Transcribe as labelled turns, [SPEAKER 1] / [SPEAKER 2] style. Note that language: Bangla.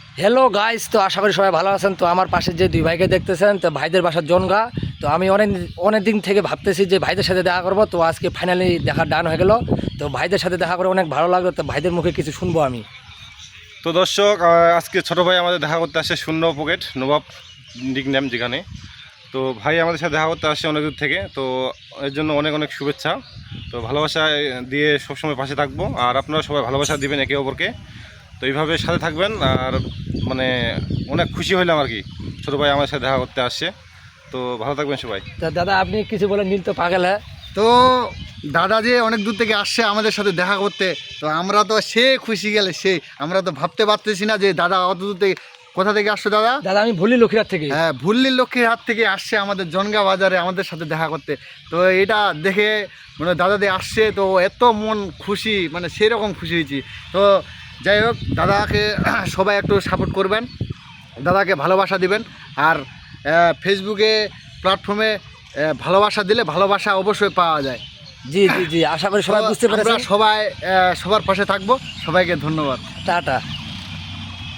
[SPEAKER 1] হ্যালো গাইস, তো আশা করি সবাই ভালো আছেন। তো আমার পাশে যে দুই ভাইকে দেখতেছেন, তো ভাইদের বাসা জনগা। তো আমি অনেক দিন থেকে ভাবতেছি যে ভাইদের সাথে দেখা করবো, তো আজকে ফাইনালি দেখা ডান হয়ে গেল। তো ভাইদের সাথে দেখা করে অনেক ভালো লাগলো, তো ভাইদের মুখে কিছু শুনবো আমি।
[SPEAKER 2] তো দর্শক, আজকে ছোট ভাই আমাদের দেখা করতে আসে শূন্য পকেট নবাব নিকনেম যেখানে। তো ভাই আমাদের সাথে দেখা করতে আসে অনেক দূর থেকে, তো এর জন্য অনেক অনেক শুভেচ্ছা। তো ভালোবাসা দিয়ে সবসময় পাশে থাকবো, আর আপনারা সবাই ভালোবাসা দিবেন একে অপরকে। তো এইভাবে সাথে থাকবেন, আর মানে অনেক খুশি হইলাম আর কি ছোটো ভাই আমাদের সাথে দেখা করতে আসছে। তো ভালো থাকবেন সবাই।
[SPEAKER 1] তা দাদা আপনি কিছু বলেন, নীল তো পাগল হ্যাঁ।
[SPEAKER 3] তো দাদা যে অনেক দূর থেকে আসছে আমাদের সাথে দেখা করতে, তো আমরা তো সে খুশি গেলে আমরা তো ভাবতে পারতেছি না যে দাদা অত দূর থেকে কোথা থেকে আসছে দাদা।
[SPEAKER 1] দাদা আমি ভুলি লক্ষ্মীরাত থেকে।
[SPEAKER 3] হ্যাঁ, ভুল্লির লক্ষ্মীর হাত থেকে আসছে আমাদের জনগা বাজারে আমাদের সাথে দেখা করতে। তো এটা দেখে মানে দাদাদি আসছে, তো এত মন খুশি, মানে সেরকম খুশি হয়েছি। তো যাই হোক, দাদাকে সবাই একটু সাপোর্ট করবেন, দাদাকে ভালোবাসা দিবেন। আর ফেসবুকে প্ল্যাটফর্মে ভালোবাসা দিলে ভালোবাসা অবশ্যই পাওয়া যায়।
[SPEAKER 1] জি জি জি, আশা করি সবাই বুঝতে
[SPEAKER 3] আমরা
[SPEAKER 1] পেরেছেন।
[SPEAKER 3] সবাই সবার পাশে থাকবো। সবাইকে ধন্যবাদ।
[SPEAKER 1] টাটা।